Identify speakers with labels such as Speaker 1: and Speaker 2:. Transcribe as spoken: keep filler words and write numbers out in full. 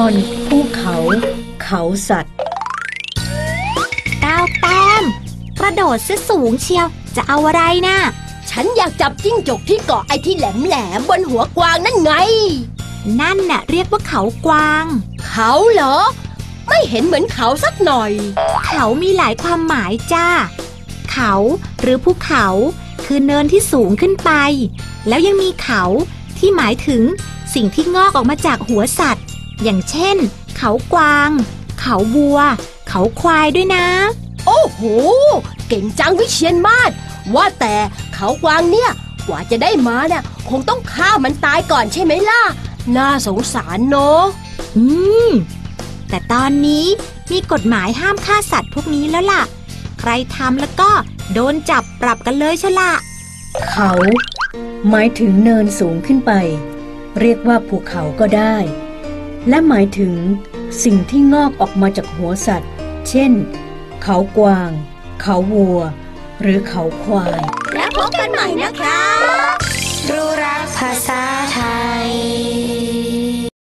Speaker 1: อนภูเขาเขาสัตว์
Speaker 2: ดาวแต้มกระโดดซะสูงเชียวจะเอาอะไรนะ
Speaker 3: ฉันอยากจับจิ้งจกที่เกาะไอ้ที่แหลมๆบนหัวกวางนั่นไง
Speaker 2: นั่นน่ะเรียกว่าเขากวาง
Speaker 3: เขาเหรอไม่เห็นเหมือนเขาสักหน่อย
Speaker 2: เขามีหลายความหมายจ้าเขาหรือภูเขาคือเนินที่สูงขึ้นไปแล้วยังมีเขาที่หมายถึงสิ่งที่งอกออกมาจากหัวสัตว์อย่างเช่นเขากวางเขาวัวเขาควายด้วยนะ
Speaker 3: โอ้โหเก่งจังวิเชียรมาศว่าแต่เขากวางเนี่ยกว่าจะได้มาเนี่ยคงต้องฆ่ามันตายก่อนใช่ไหมล่ะน่าสงสารเนาะ
Speaker 2: อืมแต่ตอนนี้มีกฎหมายห้ามฆ่าสัตว์พวกนี้แล้วล่ะใครทำแล้วก็โดนจับปรับกันเลยชะละ
Speaker 1: เขาหมายถึงเนินสูงขึ้นไปเรียกว่าภูเขาก็ได้และหมายถึงสิ่งที่งอกออกมาจากหัวสัตว์เช่นเขากวางเขาวัวหรือเขาควาย
Speaker 3: แล้วพบกันใหม่นะคะ